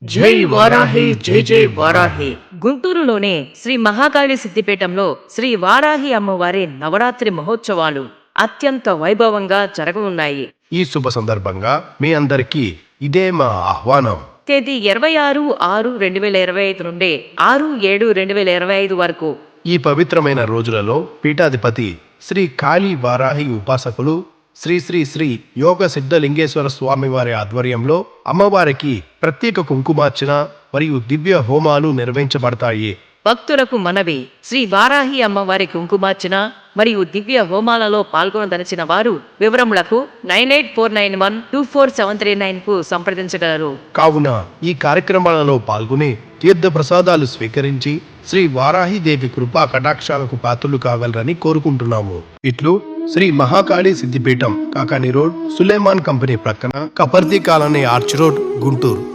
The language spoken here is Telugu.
జై వారాహి జై జై వారాహి. గుంటూరులోనే శ్రీ మహాకాళి సిద్దిపేటంలో శ్రీ వారాహి అమ్మవారి నవరాత్రి మహోత్సవాలు అత్యంత వైభవంగా జరగనున్నాయి. ఈ శుభ సందర్భంగా మీ అందరికీ ఇదే మా ఆహ్వానం. తేదీ 26/6/2025 నుండి 6/7/2025 వరకు ఈ పవిత్రమైన రోజులలో పీఠాధిపతి శ్రీ కాళీ వారాహి ఉపాసకులు శ్రీ శ్రీ శ్రీ యోగ సిద్ధలింగేశ్వర స్వామి వారి ఆధ్వర్యంలో అమ్మవారికి ప్రత్యేక కుంకుమార్చన మరియు దివ్య హోమాలు నిర్వహించబడతాయి. భక్తులకు మనవి, శ్రీ వారాహి అమ్మవారి కుంకుమార్చన మరియు దివ్య హోమాలలో పాల్గొనదలిచిన వారు వివరములకు 9849124739 కు సంప్రదించగలరు. కావున ఈ కార్యక్రమాలలో పాల్గొని తీర్థ ప్రసాదాలు స్వీకరించి శ్రీ వారాహి దేవి కృపా కటాక్షాలకు పాత్రలు కాగలరని కోరుకుంటున్నాము. ఇట్లు శ్రీ మహాకాళి సిద్దిపేటం, కాకాని రోడ్, సులేమాన్ కంపెనీ ప్రక్కన, Kaparthi colony, arch road, Guntur.